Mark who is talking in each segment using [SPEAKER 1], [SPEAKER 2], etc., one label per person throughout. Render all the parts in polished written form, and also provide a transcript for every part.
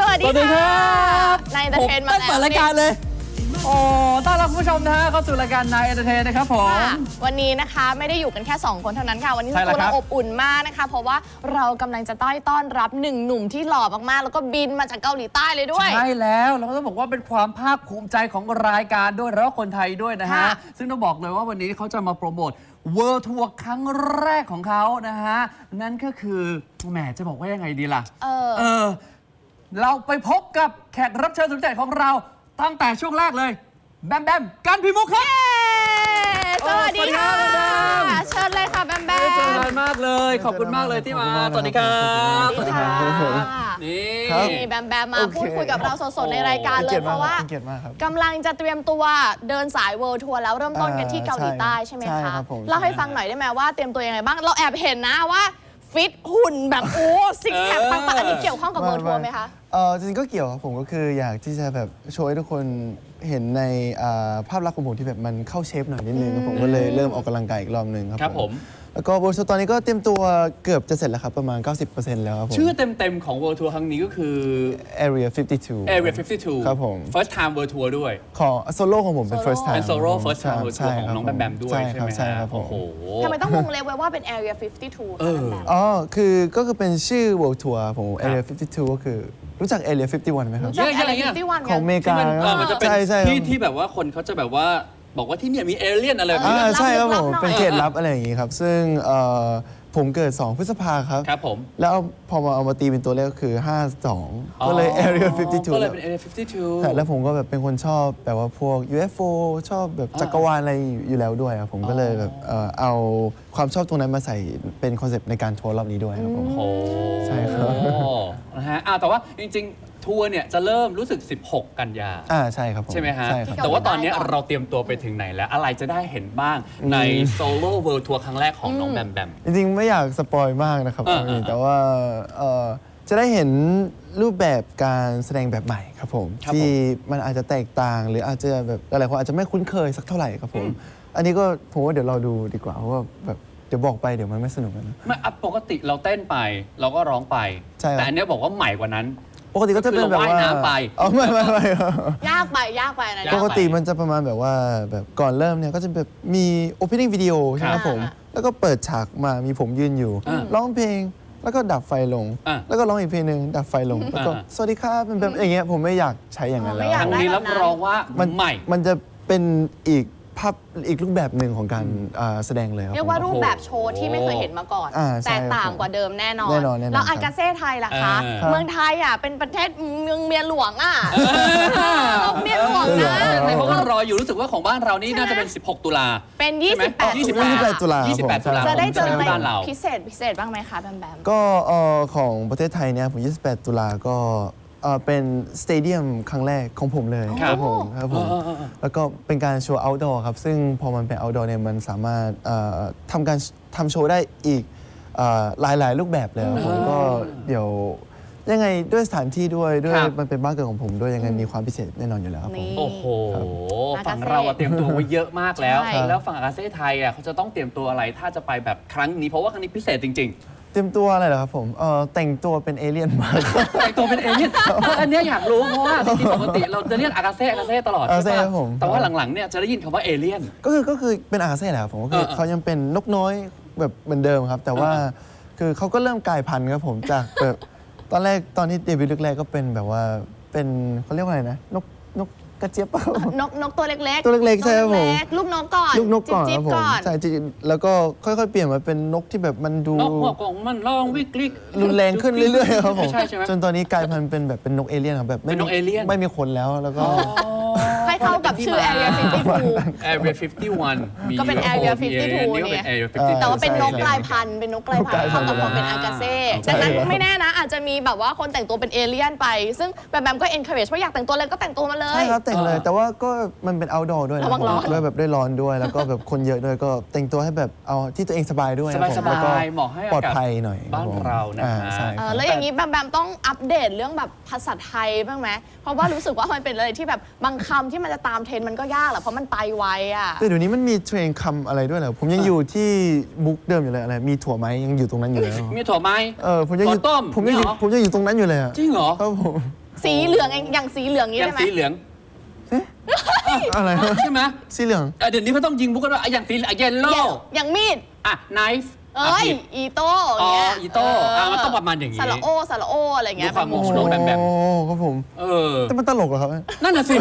[SPEAKER 1] วัสดีครับนายเอนเตอร์เทนมาแล้ว
[SPEAKER 2] เปิดรายการเลยโอ้ต้อนรับคุณผู้ชมนะฮะเข้าสู่รายการนายเอนเตอร์เทนนะครับผม
[SPEAKER 1] วันนี้นะคะไม่ได้อยู่กันแค่2คนเท่านั้นค่ะวันนี้ตัวเราอบอุ่นมากนะคะเพราะว่าเรากำลังจะต้อนรับหนึ่งหนุ่มที่หล่อมากๆแล้วก็บินมาจากเกาหลีใต้เลยด้วย
[SPEAKER 2] ใช่แล้วเราก็ต้องบอกว่าเป็นความภาคภูมิใจของรายการด้วยแล้วก็คนไทยด้วยนะฮะซึ่งต้องบอกเลยว่าวันนี้เขาจะมาโปรโมทWorld Tour ครั้งแรกของเขานะฮะนั่นก็คือแหมจะบอกว่ายังไงดีล่ะเราไปพบกับแขกรับเชิญสุดพิเศษของเราตั้งแต่ช่วงแรกเลยแบมแบมกันพิมุขครับ
[SPEAKER 1] สวัสดีค่ะเชิญเลยค่ะแบมแบม
[SPEAKER 2] เจอกันมากเลยขอบคุณมากเลยที่มาสวัสดีครับ
[SPEAKER 1] สวัสดีค่ะนี่แบมแบมมาพูดคุยกับเราสดๆในรายการเลยเพราะว่ากำลังจะเตรียมตัวเดินสาย World Tour แล้วเริ่มต้นกันที่เกาหลีใต้ใช่ไหมคะเล่าให้ฟังหน่อยได้ไหมว่าเตรียมตัวยังไงบ้างเราแอบเห็นนะว่าฟิตหุ่นแบบโอ้ซิกแพคปังๆอันนี้เกี่ยวข้องกับ World Tour ไหมคะ
[SPEAKER 3] จริงๆก็เกี่ยวครับผมก็คืออยากที่จะแบบโชว์ให้ทุกคนเห็นในภาพลักษณ์ของผมที่แบบมันเข้าเชฟหน่อยนิดนึงผมก็เลยเริ่มออกกำลังกายอีกรอบนึงครับผมแล้วก็World Tourตอนนี้ก็เตรียมตัวเกือบจะเสร็จแล้วครับประมาณ 90% แล้วครับผม
[SPEAKER 2] ชื่อเต็มๆของ World Tour ครั้งนี้ก็คือ
[SPEAKER 3] Area 52
[SPEAKER 2] ครับผม First Time World Tour ด้วย
[SPEAKER 3] ของโซโล่ของผมเป็น First Time
[SPEAKER 2] เป็นโซโล่ First Time World Tour ของน้องแบมแบมด้วยใช่ไหมครับโอ้โห
[SPEAKER 1] ทำไมต้องวงเล็บไว้ว่าเป็น Area 52
[SPEAKER 3] คือเป็นชื่อ World Tour ผม Area 52 ก็คือรู้จัก Area 51ไหมครับ
[SPEAKER 1] รู้จัก Area 51
[SPEAKER 3] ของอเมริกา
[SPEAKER 2] มันจะเป็นที่แบบว่าคนเขาจะแบบว่าบอกว่าที่นี่มีเอเลี่ยนอะไร
[SPEAKER 3] ใช่ครับผมเป็นเขตลับอะไรอย่างงี้ครับซึ่งผมเกิด2 พฤษภาครับ
[SPEAKER 2] ผม
[SPEAKER 3] แล้วพอเอามาตีเป็นตัวเลขก็คือ52ก็เลย Area 52
[SPEAKER 2] ก็เลยเป็น Area 52
[SPEAKER 3] แล้วผมก็แบบเป็นคนชอบแบบว่าพวก UFO ชอบแบบจักรวาลอะไรอยู่แล้วด้วยครับผมก็เลยแบบเอาความชอบตรงนั้นมาใส่เป็นคอนเซปต์ในการทัวร์รอบนี้ด้วยครับผมใช่ครับ
[SPEAKER 2] นะฮะแต่ว่าจริงๆทัวร์เนี่ยจะเริ่มรู้สึก16 กันยา
[SPEAKER 3] ใช่ครับผม
[SPEAKER 2] ใช่ไหมฮะแต่ว่าตอนนี้เราเตรียมตัวไปถึงไหนแล้วอะไรจะได้เห็นบ้างในโซโล่เวิลด์ทัวร์ครั้งแรกของน้องแบมแบม
[SPEAKER 3] จริงๆไม่อยากสปอยมากนะครับแต่ว่าจะได้เห็นรูปแบบการแสดงแบบใหม่ครับผมที่มันอาจจะแตกต่างหรืออาจจะแบบหลายคนอาจจะไม่คุ้นเคยสักเท่าไหร่ครับผมอันนี้ก็ผมว่าเดี๋ยวเราดูดีกว่าเพราะว่าแบบเดี๋ยวบอกไปเดี๋ยวมันไม่สนุกนะ
[SPEAKER 2] ไม่ปกติเราเต้นไปเราก็ร้องไปแต่อันนี้บอกว่าใหม่กว่านั้น
[SPEAKER 3] ปกติก็จะเป็นแบบว่า
[SPEAKER 2] ว่ายน้ำไป
[SPEAKER 3] ไม่
[SPEAKER 1] ยากไปนะ
[SPEAKER 3] ปกติมันจะประมาณแบบว่าแบบก่อนเริ่มเนี่ยก็จะแบบมี opening video ใช่ไหมผมแล้วก็เปิดฉากมามีผมยืนอยู่ร้องเพลงแล้วก็ดับไฟลงแล้วก็ร้องอีกเพลงนึงดับไฟลงแล้วก็สวัสดีครับเป็นแบบอย่างเงี้ยผมไม่อยากใช้อย่างนั้นแล้ว
[SPEAKER 2] ครั้งนี้รับรองว่าใหม่
[SPEAKER 3] มันจะเป็นอีกภาพอีกรูปแบบหนึ่งของการแสดงเลยครับ
[SPEAKER 1] เรียกว่ารูปแบบโชว์ที่ไม่เคยเห็นมาก่อนแตกต่างกว่าเดิมแน่นอนแล้วอากาเซ่ไทยล่ะคะเมืองไทยเป็นประเทศเมืองเมียหลวงเมียหลวงนะ
[SPEAKER 2] เพราะว่ารออยู่รู้สึกว่าของบ้านเรานี่น่าจะเป็น16 ตุลา
[SPEAKER 1] เป็น28
[SPEAKER 3] ตุลา
[SPEAKER 1] จะได้เจออะไรพิเศษบ้างไหมคะแบมแบม
[SPEAKER 3] ก็ของประเทศไทยเนี่ยผม28 ตุลาก็เป็นสเตเดียมครั้งแรกของผมเลยครับผมแล้วก็เป็นการโชว์ outdoor ครับซึ่งพอมันเป็น outdoor เนี่ยมันสามารถทำโชว์ได้อีกหลายรูปแบบเลยผมก็เดี๋ยวยังไงด้วยสถานที่ด้วยมันเป็นบ้านเกิดของผมด้วยยังไงมีความพิเศษแน่นอนอยู่แล้วครับผม
[SPEAKER 2] โอ้โหฝั่งเราเตรียมตัวไว้เยอะมากแล้วฝั่งอากาเซ่ไทยเขาจะต้องเตรียมตัวอะไรถ้าจะไปแบบครั้งนี้เพราะว่าครั้งนี้พิเศษจริง
[SPEAKER 3] เตรียมตัวอะไรเหรอครับผมแต่งตัวเป็นเอเลี่ยนมา
[SPEAKER 2] แต่งตัวเป็นเอเลี่ยนอันนี้อยากรู้เพราะว่าจริงๆปกติเราจะเรียกอากาเซ่ตลอดใช่ไหมแต่ว่าหลังๆเนี่ยจะได้ยินคำว่าเอเลี่ยน
[SPEAKER 3] ก็คือเป็นอากาเซ่แหละครับผมก็คือเขายังเป็นนกน้อยแบบเหมือนเดิมครับแต่ว่าคือเขาก็เริ่มกลายพันธุ์ครับผมจากแบบตอนที่เดบิวต์แรกๆก็เป็นแบบว่าเป็นเขาเรียกว่าอะไรนะนกกระเจี๊ยบ
[SPEAKER 1] นกตัวเล็ก
[SPEAKER 3] ๆใช่ครับผม
[SPEAKER 1] ลูกนกก่อน
[SPEAKER 3] ครับผมใช่แล้วก็ค่อยๆเปลี่ยนมาเป็นนกที่แบบมันดู
[SPEAKER 2] นกหัวกล่องมันร้องวิกฤต
[SPEAKER 3] รุนแรงขึ้นเรื่อยๆครับผมจนตอนนี้กลายพันธุ์เป็นแบบเป็นนกเอเลี่ยนครับแบบไม่มีขนแล้วก็
[SPEAKER 1] ให้เข้ากับชื่อ Area
[SPEAKER 2] 51
[SPEAKER 1] ก็เป็น Area 52เนี่ยแต่ว่าเป็นนกกลายพันธุ์เข้ากับความเป็นอากาเซ่ดังนั้นไม่แน่นะอาจจะมีแบบว่าคนแต่งตัวเป็นเอเลี่ยนไปซึ่งแบมก็ encourage ว่าอยากแต่งตัวเลยก็แต่งตัวมาเลย
[SPEAKER 3] ใช่ครับแต่งเลยแต่ว่าก็มันเป็น outdoor ด้วยนะด้วยแบบได้ร้อนด้วยแล้วก็แบบคนเยอะด้วยก็แต่งตัวให้แบบเอาที่ตัวเองสบายด้วย
[SPEAKER 2] สบายเหมาะให้
[SPEAKER 3] ปลอดภัยหน่อย
[SPEAKER 2] บ้านเรานะ
[SPEAKER 1] แล้วอย่างนี้แบมต้องอัปเดตเรื่องแบบภาษาไทยบ้างไหมเพราะว่ารู้สึกว่ามันเป็นอะไรที่แบบบางคำที่มันจะตามเทรนด์มันก็ยากแหละเพราะมันไปไว
[SPEAKER 3] แต่เดี๋ยวนี้มันมีเทรนด์คำอะไรด้วยเหรอผมยังอยู่ที่มุกเดิมอยู่เลยอะไรมีถั่วไหมยังอยู่ตรงนั้นอยู่เลย
[SPEAKER 2] มีถั่วไหม
[SPEAKER 3] ผมยังอยู่ตรงนั้นอยู่เลย
[SPEAKER 2] จริงเหรอ
[SPEAKER 3] ครับผม
[SPEAKER 1] สีเหลืองอย่างสีเหลืองนี้
[SPEAKER 2] อย่า
[SPEAKER 1] ได้
[SPEAKER 2] ง
[SPEAKER 1] ไหม
[SPEAKER 2] สีเหลือง
[SPEAKER 3] อะไร
[SPEAKER 2] ใช่ไหม
[SPEAKER 3] สีเหลือง
[SPEAKER 2] เดี๋ยวนี้เขาต้องยิงมุกกันว่าอย่างสีเยลโล่
[SPEAKER 1] อย่างมีด
[SPEAKER 2] อ่ะ knife
[SPEAKER 1] เอ้ย
[SPEAKER 2] ผิด
[SPEAKER 1] อีโต้อย่างเงี้ย
[SPEAKER 2] อีโต้มันต้องประมาณอย่างนี้
[SPEAKER 1] สระโอสระโออะไรเงี้ย
[SPEAKER 2] ดูความโมโห
[SPEAKER 3] โอ้ครับผม แต่มันตลกเหรอครับ
[SPEAKER 2] นั่นน่ะสิ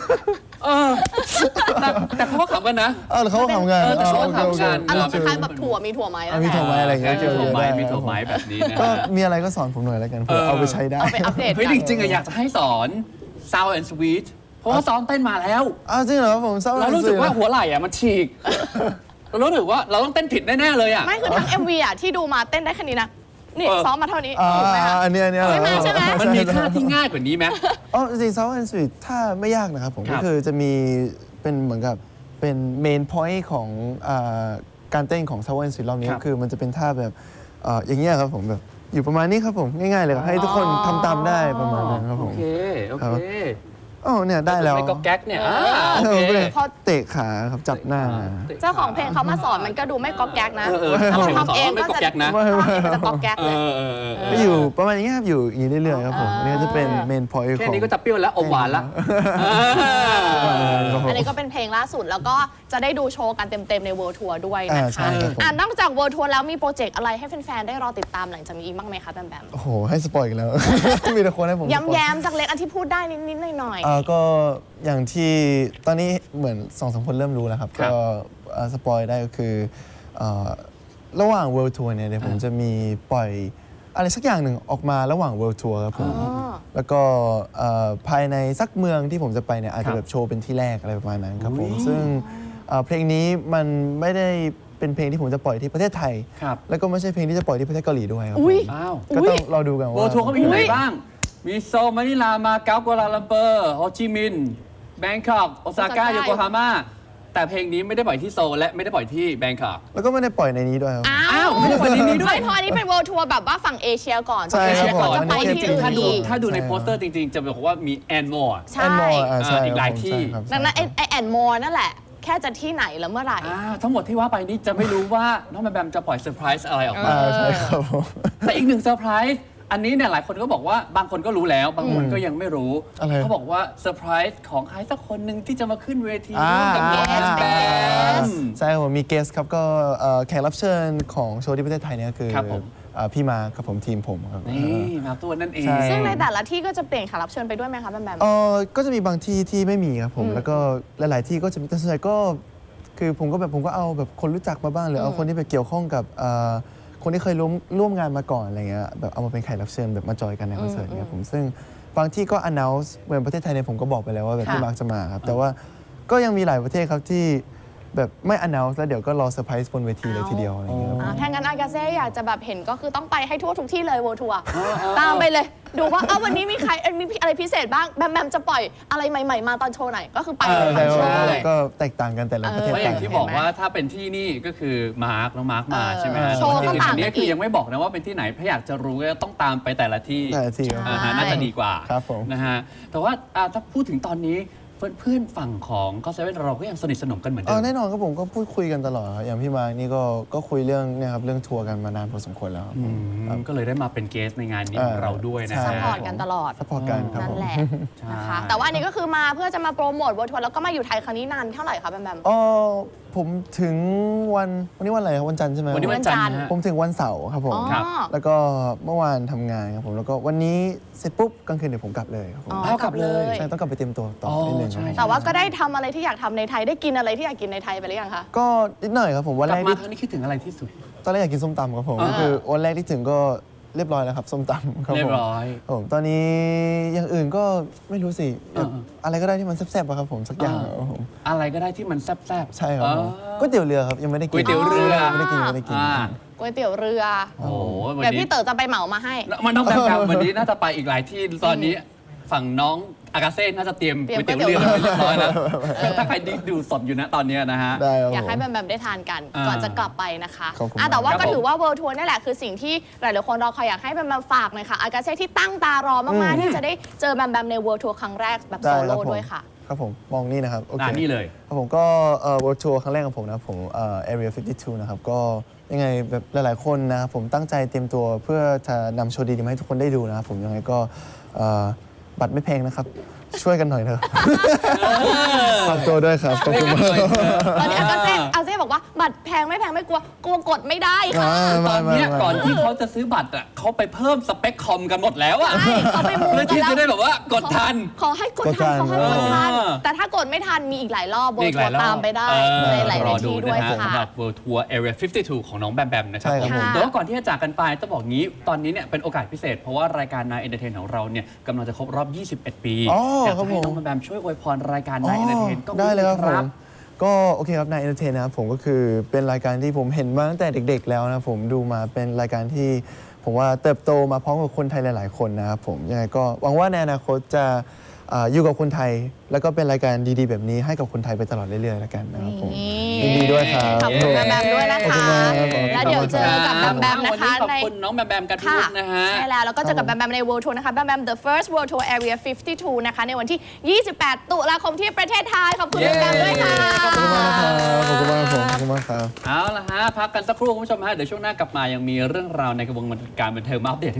[SPEAKER 2] แต่เขาก็ขำกันนะ
[SPEAKER 3] หรือเขาทำงาน
[SPEAKER 2] แต่เขาทำงาน
[SPEAKER 1] อารมณ์คล้ายๆแบบถั่วมีถั่วไหมแล้ว
[SPEAKER 3] มีถั่วไหมอะไรอย่างเงี้ย
[SPEAKER 2] มีถั่วไม้มีถั่วไม้แบบนี้นะ
[SPEAKER 3] ก็
[SPEAKER 2] ฮะ
[SPEAKER 3] มีอะไรก็สอนผมหน่อยแล้วกันเพื่อเอาไปใช้ได้
[SPEAKER 1] เอาไปอัปเดต
[SPEAKER 2] เฮ้ย
[SPEAKER 1] กัน
[SPEAKER 2] จริงๆอะอยากจะให้สอน sound and sweet เพราะว่าซ้อมเต้นมาแล้ว
[SPEAKER 3] จริงเหรอผมเศร้า
[SPEAKER 2] เรารู้สึกว่าหัวไหล่อะมันฉีก เรารู้สึกว่าเราต้องเต้นผิดแน่ๆเลยอะ
[SPEAKER 1] ไม่คือทั้ง MV อ่ะที่ดูมาเต้นได้แค่นี้นะ นี่
[SPEAKER 2] เออ
[SPEAKER 1] ซ้อมมาเท่านี้ถูกไหมคะ
[SPEAKER 3] อันนี้
[SPEAKER 1] ใช่ไหม
[SPEAKER 2] มันมีท่าที่ง่ายกว่านี้ไหม
[SPEAKER 3] จริงๆ Sound and Sweet ถ้าไม่ยากนะครับผม
[SPEAKER 2] ครั
[SPEAKER 3] ก็
[SPEAKER 2] บ
[SPEAKER 3] คือจะมีเป็นเหมือนกับเป็นเมนพอยต์ของการเต้นของ Sound and Sweet รอบนี้
[SPEAKER 2] ครับ
[SPEAKER 3] ก็คือมันจะเป็นท่าแบบอย่างเงี้ยครับผมแบบอยู่ประมาณนี้ครับผมง่ายๆเลยครับให้ทุกคนทำตามได้ประมาณนั้นครับผ
[SPEAKER 2] โอ
[SPEAKER 3] ม
[SPEAKER 2] เคโอ
[SPEAKER 3] ครับ
[SPEAKER 2] เค
[SPEAKER 3] เนี่ยได้แล้ว
[SPEAKER 2] ไม่ก็แก๊กเนี่ยโอเค
[SPEAKER 1] พอ
[SPEAKER 3] เตะขาครับจับหน้า
[SPEAKER 1] เจ้าของเพลงเขามาสอนมันก็ดูไม่ก๊อกแก๊กนะ
[SPEAKER 2] ถ้า
[SPEAKER 1] ถ้า
[SPEAKER 2] เรา
[SPEAKER 1] เรา
[SPEAKER 2] ทำ
[SPEAKER 1] ทำ
[SPEAKER 2] เอ
[SPEAKER 1] เอง ง
[SPEAKER 2] ไม่
[SPEAKER 1] ก็
[SPEAKER 2] ก็
[SPEAKER 1] จะ
[SPEAKER 2] แก๊กนะ
[SPEAKER 1] มันจะก๊อกแก๊กเลย
[SPEAKER 3] ก็อยู่ประมาณอย่างเงี้ยครับอยู่อย่างนี้เรื่อยๆครับผมอันนี่ก็จะเป็นเมนพอยต์
[SPEAKER 2] แค่
[SPEAKER 3] ของ
[SPEAKER 2] นี้ก็จะเปรี้ยวแล้วอมหวานละ
[SPEAKER 1] อันนี้ก็เป็นเพลงล่าสุดแล้วก็จะได้ดูโชว์กันเต็มๆใน World Tour ด้วยนะ
[SPEAKER 3] ใช่
[SPEAKER 1] คะ
[SPEAKER 3] ครับผม
[SPEAKER 1] นอกจาก World Tour แล้วมีโปรเจกต์อะไรให้แฟนๆได้รอติดตามหลังจากนี้อีกบ้างไหมคะแบมแบม
[SPEAKER 3] โอ้โหให้สปอยล์อีกแล้ว มีแต่คนให้ผมสปอยล์
[SPEAKER 1] ย้ำๆจากเล็กอันที่พูดได้นิดๆหน่อย
[SPEAKER 3] ก็อย่างที่ตอนนี้เหมือน2-3 คนเริ่มรู้แล้วครับ
[SPEAKER 2] ครับ
[SPEAKER 3] ก็สปอยได้ก็คือระหว่าง World Tour เนี่ยเดี๋ยวผมจะมีปล่อยอะไรสักอย่างหนึ่งออกมาระหว่าง World Tour ครับผม แล้วก็ภายในสักเมืองที่ผมจะไปเนี่ยอาจจะแบบโชว์เป็นที่แรกอะไรประมาณนั้นครับผม ซึ่งเพลงนี้มันไม่ได้เป็นเพลงที่ผมจะปล่อยที่ประเทศไทย
[SPEAKER 2] ครับ
[SPEAKER 3] แล้วก็ไม่ใช่เพลงที่จะปล่อยที่ประเทศเกาหลีด้วยครับ
[SPEAKER 1] อุ๊ย
[SPEAKER 3] ผม
[SPEAKER 2] อ้าว
[SPEAKER 3] ก็ต้องรอดูกัน
[SPEAKER 2] โว
[SPEAKER 3] ว่า
[SPEAKER 2] ทัวร์เขามีที่ไหนบ้าง มีโซลมะนิลา มาเก๊ากัวลาลัมเปอร์ โฮจิมินห์ แบงคอก โอซาก้า โยโกฮาม่า แต่เพลงนี้ไม่ได้ปล่อยที่โซลและไม่ได้ปล่อยที่แบงคอก
[SPEAKER 3] แล้วก็ไม่ได้ปล่อยในนี้ด้วยครับ
[SPEAKER 1] ๆ อ้าว
[SPEAKER 2] ไม่ได้ปล่อยในนี้ด้วย
[SPEAKER 1] ไม่พออันนี้เป็น World Tour แบบว่าฝั่งเอเชียก่อน
[SPEAKER 3] ใช่ครับ
[SPEAKER 1] ฝั่งเอเชียก่อน
[SPEAKER 3] ผม
[SPEAKER 1] จะไป
[SPEAKER 3] อันนี้
[SPEAKER 1] ที่
[SPEAKER 2] จริง
[SPEAKER 1] อื่
[SPEAKER 2] ๆ
[SPEAKER 1] น
[SPEAKER 2] ถ้าดู
[SPEAKER 1] อีก
[SPEAKER 2] ในโปสเตอร์จริงๆ จะบอกว่ามีแอนมอร์
[SPEAKER 1] ใช่
[SPEAKER 3] แอนมอร์ใช่
[SPEAKER 2] อีกหลายที่
[SPEAKER 3] ครับ
[SPEAKER 1] ดังนั้นไอแอนมอร์นั่นแหละ แค่จะที่ไหนแล้วเมื่อไหร่
[SPEAKER 2] ทั้งหมดที่ว่าไปนี่จะไม่รู้ว่าน้องแบมแบมจะปล่อยเซอร์ไพรส์อะไรออกมา
[SPEAKER 3] ใช่ครับผม
[SPEAKER 2] แต่อีกหนึ่งเซอร์ไพรส์อันนี้เนี่ยหลายคนก็บอกว่าบางคนก็รู้แล้ว บางคนก็ยังไม่รู้
[SPEAKER 3] อะไร
[SPEAKER 2] เขาบอกว่าเซอร์ไพรส์ของใครสักคนหนึ่งที่จะมาขึ้นเวที
[SPEAKER 3] อ่า
[SPEAKER 2] ร่วมกับน้องแบมแบม
[SPEAKER 3] ใช่ครับผมมีเกสครับก็แขกรับเชิญของโชว์ที่ประเทศไทยเนี่ยคือ
[SPEAKER 2] ครับผม
[SPEAKER 3] พี่มาครับผมทีมผมครับ
[SPEAKER 2] นี่มาตัวนั่นเอง
[SPEAKER 3] ใช่
[SPEAKER 1] ซึ่งในแต่ละที่ก็จะเปลี่ยนแขกรับเชิญไปด้วยไหมคะแบมแบม
[SPEAKER 3] ก็จะมีบางที่ที่ไม่มีครับผมแล้วก็หลาย ๆ ที่ก็จะมีแต่ส่วนใหญ่ก็คือผมก็เอาแบบคนรู้จักมาบ้างหรือเอาคนที่ไปเกี่ยวข้องกับคนที่เคยร่วมงานมาก่อนอะไรเงี้ยแบบเอามาเป็นแขกรับเชิญแบบมาจอยกันในคอนเสิร์ตเนี่ยผมซึ่งบางที่ก็ announce เหมือนประเทศไทยเนี่ยผมก็บอกไปแล้วว่าแบบพี่มาร์คจะมาครับแต่ว่าก็ยังมีหลายประเทศครับที่แบบไม่ announce แล้วเดี๋ยวก็รอเซอร์ไพรส์บนเวทีเลยทีเดียวอะไรเงี้ยครับ
[SPEAKER 1] ถ้างั้นอากาเซ่อยากจะแบบเห็นก็คือต้องไปให้ทั่วทุกที่เลย World Tour ตามไปเลย ดูว่าวันนี้มีใครมีอะไรพิเศษบ้างแบมแบมจะปล่อยอะไรใหม่ ๆ มาตอนโชว์ไหนก็คือไปเลย
[SPEAKER 3] แต่
[SPEAKER 1] ทั้งโช
[SPEAKER 3] ว่า
[SPEAKER 1] ว์เลย
[SPEAKER 3] ก็แตกต่างกันแต่ละประเทศ
[SPEAKER 2] เพราะอย่าง
[SPEAKER 3] ต่าง
[SPEAKER 2] ที่
[SPEAKER 3] กัน
[SPEAKER 2] บอกว่าถ้าเป็นที่นี่ก็คือมาร์คน้องมาร์คมาใช่ไหมฮะ
[SPEAKER 1] โชว์ก็ต่างกันอีก
[SPEAKER 2] อันนี้คือยังไม่บอกนะว่าเป็นที่ไหนถ้าอยากจะรู้ก็ต้องตามไปแต่ละที่
[SPEAKER 3] แต่ละที่ครับ
[SPEAKER 2] น่าจะดีกว่า
[SPEAKER 3] ครับผม
[SPEAKER 2] นะฮะแต่ว่าถ้าพูดถึงตอนนี้เพื่อนๆฝั่งของก็เซเว่นเราก็ยังสนิทสนมกันเหมือนเดิม
[SPEAKER 3] แน่นอนครับผมก็พูดคุยกันตลอดครับอย่างพี่มาร์คนี่ก็คุยเรื่องเนี่ยครับเรื่องทัวร์กันมานานพอสมควรแล้วครับผม
[SPEAKER 2] ก็เลยได้มาเป็นเกสในงานนี้ของเราด้วยนะ
[SPEAKER 3] ใช่
[SPEAKER 1] ซัพ
[SPEAKER 2] ฮะ
[SPEAKER 1] พอร์ตกันตลอด
[SPEAKER 3] ซัพพอร์ตกันครับ
[SPEAKER 1] นั่
[SPEAKER 3] ผ
[SPEAKER 1] น
[SPEAKER 3] ม
[SPEAKER 1] แหละ
[SPEAKER 2] ใช่
[SPEAKER 1] นะคะแต่ว่าอันนี้ก็คือมาเพื่อจะมาโปรโมท World Tour แล้วก็มาอยู่ไทยครั้งนี้นานเท่าไหร่คะแบมแบม
[SPEAKER 3] ผมถึงวันนี้วันอะไรครับวันจันทร์ใช่ไหม
[SPEAKER 2] วันนี้วันจันทร์นะฮะ
[SPEAKER 3] ผมถึงวันเสาร์ครับผม
[SPEAKER 1] อ๋อ
[SPEAKER 2] ครับ
[SPEAKER 3] แล้วก็เมื่อวานทำงานครับผมแล้วก็วันนี้เสร็จปุ๊บกลางคืนเดี๋ยวผมกลับเลยครับผม
[SPEAKER 2] เอากลับเลย
[SPEAKER 3] ใช่ต้องกลับไปเตรียมตัวต่อนิดนึงครับ
[SPEAKER 2] ใช่
[SPEAKER 1] แต่ว่าก็ได้ทำอะไรที่อยากทำในไทยได้กินอะไรที่อยากกินในไทยไปหรือยังคะ
[SPEAKER 3] ก็นิดหน่อยครับผมวัน
[SPEAKER 2] ก
[SPEAKER 3] แร
[SPEAKER 2] ลับ
[SPEAKER 3] ก
[SPEAKER 2] มา
[SPEAKER 3] ที่
[SPEAKER 2] ครั้งนี้คิดถึงอะไรที่สุด
[SPEAKER 3] ตอนแรกอยากกินส้มตำครับผมก็คือวันแรกที่ถึงก็เรียบร้อยแล้วครับส้มตำครับผม
[SPEAKER 2] เรียบร้อย
[SPEAKER 3] ครับผมตอนนี้อย่างอื่นก็ไม่รู้สิ อะไรก็ได้ที่มันแซ่บๆอะครับผมสักอย่างครับผม
[SPEAKER 2] อะไรก็ได้ที่มันแซ่บๆ
[SPEAKER 3] ใช่ครับผมก๋วยเตี๋ยวเรือครับยังไม่ได้กิน
[SPEAKER 2] ก๋วยเตี๋ยวเรือ
[SPEAKER 3] ไม่ได้กินยังไม่ได้กิน
[SPEAKER 1] ก๋วยเตี๋ยวเรือ
[SPEAKER 2] โอ้โหวัน
[SPEAKER 1] เดี๋ยว
[SPEAKER 2] นี้
[SPEAKER 1] พี่เต๋อจะไปเหมามาให้
[SPEAKER 2] มันต้องแบบวันนี้น่าจะไปอีกหลายที่ตอนนี้ฝั่งน้องอากาเซ่น่าจะเตรียม
[SPEAKER 1] เตรียม
[SPEAKER 2] ก๋วยเตี๋ยวเรือไว้เรียบร้อยแล้ว
[SPEAKER 1] เออ
[SPEAKER 2] ถ้าใครดูสดอยู่นะตอนนี้นะฮะ
[SPEAKER 3] ได้ครับ
[SPEAKER 1] อยากให้
[SPEAKER 3] ผม
[SPEAKER 1] แบมแบมได้ทานกัน
[SPEAKER 2] อ่า
[SPEAKER 1] ก่อนจะกลับไปนะคะ
[SPEAKER 3] ขอบคุณ
[SPEAKER 1] แต่ว่า
[SPEAKER 2] ครั
[SPEAKER 1] ก็
[SPEAKER 2] บผม
[SPEAKER 1] ถือว่า World Tour นี่แหละคือสิ่งที่หลายๆคนรอคอยอยากให้แบมแบมฝากหน่อยค่ะอากาเซ่ที่ตั้งตารอมากๆที่จะได้เจอแบมแบมใน World Tour ครั้งแรกแบบโซ
[SPEAKER 3] ได้ครั
[SPEAKER 1] โล่
[SPEAKER 3] บผม
[SPEAKER 1] ด้วยค่ะ
[SPEAKER 3] ครับผมมองนี่นะครับโอเค
[SPEAKER 2] นี่เลย
[SPEAKER 3] ครับผมก็World Tour ครั้งแรกของผมนะครับผมArea 52 นะครับก็ยังไงแบบหลายๆคนนะครับผมตั้งใจเตรียมตัวเพื่อจะนำโชว์ดีๆมาให้ทุกคนได้ดูนะครับผมยังไงก็บัตรไม่แพงนะครับ ช่วยกันหน่อยเถอะฝากตัวด้วยครับขอบคุณมาก
[SPEAKER 1] ตอนนี้อาเซ่บอกว่าบัตรแพงไม่แพงไม่กลัวกดไม่ได้ค่ะ
[SPEAKER 2] ตอนเนี้ยก่อนที่เขาจะซื้อบัตรอ่ะเขาไปเพิ่มสเปคคอมกันหมดแล้วอ่ะ
[SPEAKER 1] ใช่เขาไปมู
[SPEAKER 2] เพื่อ
[SPEAKER 1] กัน
[SPEAKER 2] ที่
[SPEAKER 1] แล้ว
[SPEAKER 2] จะได้แบบว่ากดทัน
[SPEAKER 1] ขอให้กดทันขอให้กดทัน
[SPEAKER 2] เออ
[SPEAKER 1] แต่ถ้ากดไม่ทันมีอีกหลายรอบโบ
[SPEAKER 2] นี่อีกหลายรอบ
[SPEAKER 1] ตามไปได้ในหลาย
[SPEAKER 2] รอ
[SPEAKER 1] ๆ
[SPEAKER 2] ดู
[SPEAKER 1] ที่ด้
[SPEAKER 2] นะ
[SPEAKER 1] วย
[SPEAKER 2] ฮะ
[SPEAKER 1] ค่ะ
[SPEAKER 2] สำหรับ World Tour Area 52 ของน้องแบมแบมนะครับ
[SPEAKER 3] ใช่ครับ
[SPEAKER 2] ผม
[SPEAKER 1] ค่ะ
[SPEAKER 2] แต่ว่าก่อนที่จะจากกันไปต้องบอกงี้ตอนนี้เนี่ยเป็นโอกาสพิเศษ เพราะว่ารายการ Nine Entertain ของเราเนี่ยกำลังจะครบรอบ 21 ปี
[SPEAKER 3] อ๋อ
[SPEAKER 2] อยาก
[SPEAKER 3] ครั
[SPEAKER 2] จะ
[SPEAKER 3] บ
[SPEAKER 2] ให้
[SPEAKER 3] ผม
[SPEAKER 2] น้องแบมแบมช่วยอวยพรรายการ Nine Entertain ก็
[SPEAKER 3] ได้เลยครับผม
[SPEAKER 2] ครับ
[SPEAKER 3] ก็โอเคครับนายเอนเตอร์เทนนะครับผมก็คือเป็นรายการที่ผมเห็นมาตั้งแต่เด็ก ๆ แล้วนะผมดูมาเป็นรายการที่ผมว่าเติบโตมาพร้อมกับคนไทยหลาย ๆ คนนะครับผมยังไงก็หวังว่าในอนาคตจะอยู่กับคนไทย แล้วก็เป็นรายการดีๆ แบบนี้ให้กับคนไทยไปตลอดเรื่อยๆแล้วกันนะครับผมยินดีด้วยครับ
[SPEAKER 1] ขอบคุณแบมแบมด้วยนะ
[SPEAKER 3] ขอบคุ
[SPEAKER 1] คะ
[SPEAKER 3] ณมากครับผม
[SPEAKER 1] แล้วเดี๋ยวเจอกับแบมแบมนะคะ
[SPEAKER 2] วันนี้ขอบ
[SPEAKER 1] ใน
[SPEAKER 2] คุณน้องแบมแบมกันทุ
[SPEAKER 1] ค่ะ
[SPEAKER 2] กนะฮะ
[SPEAKER 1] ใช่แล้วก็เจอกับแบมแบมใน World Tour นะคะแบมแบม The First World Tour Area 52 นะคะในวันที่ 28 ตุลาคมที่ประเทศไทย ขอบคุณแบมแบมด้วยค่ะ
[SPEAKER 3] ขอบคุณมากนะครับขอบคุณมากครับผมขอบคุณมากครับ
[SPEAKER 2] เอาละฮะพักกันสักครู่คุณผู้ชมฮะเดี๋ยวช่วงหน้ากลับมายังมีเรื่องราวในกระบวนการบันเทิงมาอัปเดต